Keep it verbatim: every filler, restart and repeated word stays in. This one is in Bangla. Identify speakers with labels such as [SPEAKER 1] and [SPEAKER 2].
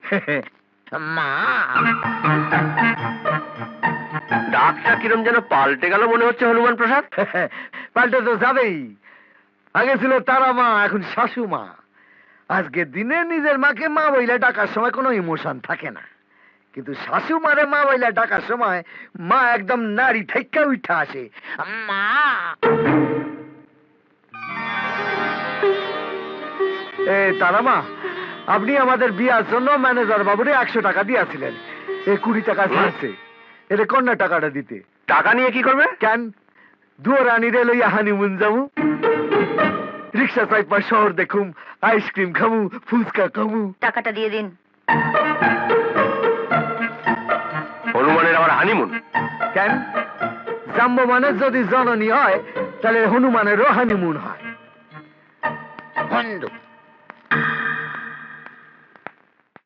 [SPEAKER 1] মা
[SPEAKER 2] ডাকটা কিরম যেন পাল্টে গেল মনে হচ্ছে হনুমান প্রসাদ।
[SPEAKER 3] পাল্টে তো যাবেই। আগে ছিল তারা মা, এখন শাশু মা। আজকের দিনে নিজের মাকে মা বইলে ডাকার সময় কোনো ইমোশন থাকে না, কিন্তু শাশু মারে মা বইলে ডাকার সময় মা একদম নারী থেকে উঠা আসে।
[SPEAKER 1] মা
[SPEAKER 3] এ তারা মা, আপনি আমাদের বিয়ার জন্য ম্যানেজার বাবুরে একশো টাকা দিয়েছিলেন, এ কুড়ি টাকা ছাড়ছে, এর কন্যা টাকাটা দিতে।
[SPEAKER 2] টাকা নিয়ে কি করবে?
[SPEAKER 3] কেন দুয়ার রানী রে লইয়া হানিমুন যাবো, রিক্সা চাইপা শহর দেখুম, আইসক্রিম খামু, ফুচকা খামু।
[SPEAKER 4] টাকাটা দিয়ে দিন।
[SPEAKER 2] হনুমানের আবার হানিমুন?
[SPEAKER 3] কেন জাম্বমানের যদি জননী হয় তাহলে হনুমানেরও হানিমুন হয়।
[SPEAKER 1] বন্ধু